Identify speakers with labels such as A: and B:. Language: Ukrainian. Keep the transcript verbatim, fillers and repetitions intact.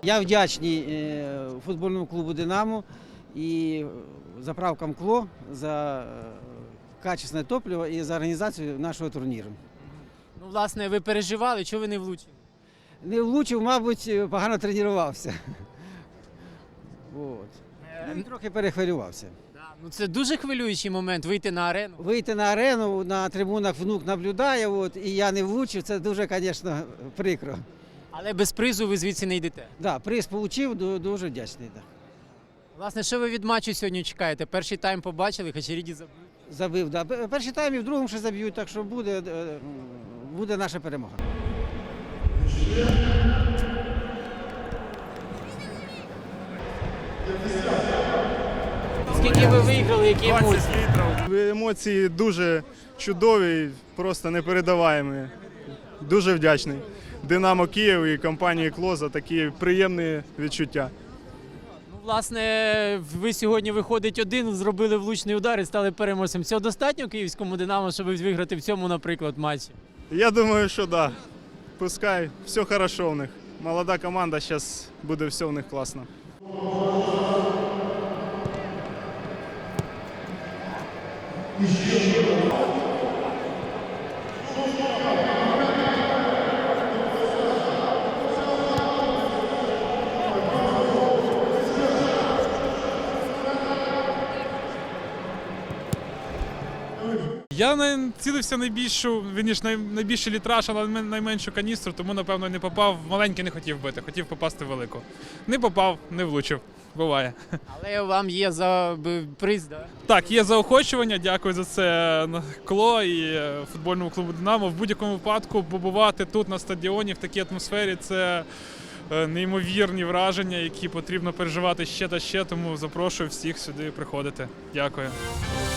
A: Я вдячний футбольному клубу «Динамо» і заправкам «Кло» за качественне топливо і за організацію нашого турніру.
B: Ну, власне, ви переживали, чого ви не влучили?
A: Не влучив, мабуть, погано тренувався. От. Ну, і трохи перехвилювався.
B: Да, ну це дуже хвилюючий момент вийти на арену.
A: Вийти на арену, на трибунах внук наблюдає, от, і я не влучив, це дуже, звісно, прикро.
B: Але без призу ви звідси не йдете.
A: Да, приз отримав, дуже вдячний. Да.
B: Власне, що ви від матчу сьогодні чекаєте? Перший тайм побачили, Хачеріді забив.
A: Забив, да. Перший тайм і в другому ще заб'ють, так що буде, буде наша перемога.
B: Скільки ви виграли, які емоції?
C: Емоції дуже чудові, просто непередаваємі. Дуже вдячний «Динамо Київ» і компанії «Кло» за такі приємні відчуття.
B: Ну, власне, ви сьогодні, виходить, один, зробили влучний удар і стали переможцем. Цього достатньо київському «Динамо», щоб виграти в цьому, наприклад, матчі?
C: Я думаю, що так. Да. Пускай, все хорошо в них. Молода команда, зараз буде все в них класно.
D: Я націлився найбільшу, вірніш, найбільший літраж, але найменшу каністру, тому, напевно, не попав. Маленький не хотів бити, хотів попасти в велику. Не попав, не влучив. Буває.
B: Але вам є за приз, так?
D: Так, є заохочування, дякую за це «Кло» і футбольному клубу «Динамо». В будь-якому випадку побувати тут на стадіоні в такій атмосфері – це неймовірні враження, які потрібно переживати ще та ще, тому запрошую всіх сюди приходити. Дякую.